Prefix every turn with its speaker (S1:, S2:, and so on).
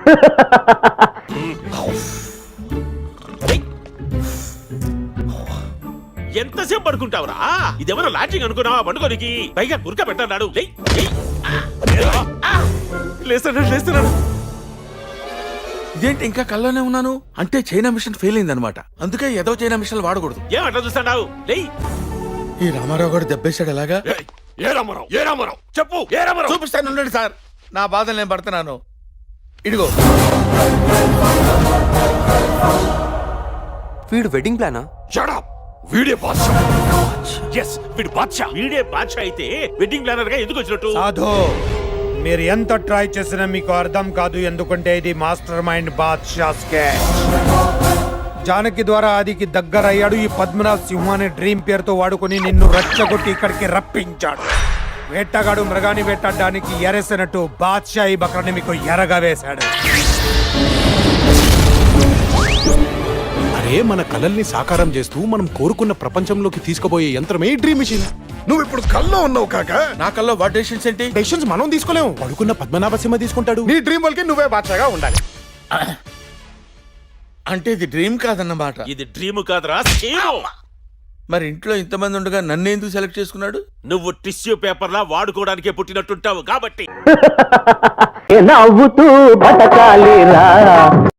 S1: ఎంతసేపు పడుకుంటావురా? ఇదేమన్నా లాడ్జింగ్ అనుకున్నావా పండుగనికి? పైగా గురక పెట్టన్నాడు. లేస్తున్నాడు.
S2: ఇదేంటి ఇంకా కల్లోనే ఉన్నాను? అంటే చైనా మిషన్ ఫెయిల్ అయింది అనమాట. అందుకే ఏదో చైనా మిషన్ వాడకూడదు.
S1: ఏమంటా చూస్తున్నావు?
S2: ఈ రామారావు గారు దెబ్బేశాడు ఎలాగా?
S1: ఏ రామారావు చెప్పు. ఏ రామారావు
S2: చూపిస్తాను ఉండండి సార్. నా బాధలు నేను పడుతున్నాను. ఇదిగో
S3: వీడు వెడ్డింగ్ ప్లానా?
S1: వీడే బాద్షా. yes వీడు బాద్షా. వీడే బాద్షా అయితే వెడ్డింగ్ ప్లానర్ గా ఎందుకు వచ్చినట్టు?
S4: సాధు, మీరు ఎంత ట్రై చేసినా మీకు అర్థం కాదు. ఎందుకంటే ఇది master mind Baadshah sketch. Janaki ద్వారా ఆదికి దగ్గర అయ్యాడు. ఈ పద్మనాభ్ సింహ అనే డ్రీమ్ పేరుతో వాడుకొని నిన్ను రచ్చగొట్టి ఇక్కడికి రప్పించాడు. వేటగాడు మృగాన్ని వేటాడడానికి ఎరేసినట్టు బాద్షా ఈ బక్రాన్ని మీకు ఎరగా వేశాడు.
S5: అరే, మన కలల్ని సాకారం చేస్తూ మనం కోరుకున్న ప్రపంచంలోకి తీసుకుపోయే యంత్రమే డ్రీమ్ మిషన్.
S6: నువ్వు ఇప్పుడు కల్లో ఉన్నావు కాక.
S2: నా కల్లో వాట్ డెసిషన్స్ ఏంటి?
S5: డెసిషన్స్ మనం తీసుకోలేము. పడుకున్న పద్మనాభ సింహ తీసుకుంటాడు.
S6: నీ డ్రీమ్ వాళ్ళకి నువ్వే బాద్షాగా ఉండాలి.
S2: అంటే ఇది డ్రీమ్ కాదన్నమాట.
S1: ఇది డ్రీమ్ కాదురా, స్కీమ్.
S2: మరి ఇంట్లో ఇంతమంది ఉండగా నన్ను ఎందుకు సెలెక్ట్ చేసుకున్నాడు?
S1: నువ్వు టిష్యూ పేపర్ లా వాడుకోవడానికే పుట్టినట్టుంటావు కాబట్టి.
S7: నవ్వుతూ బతకాలిరా.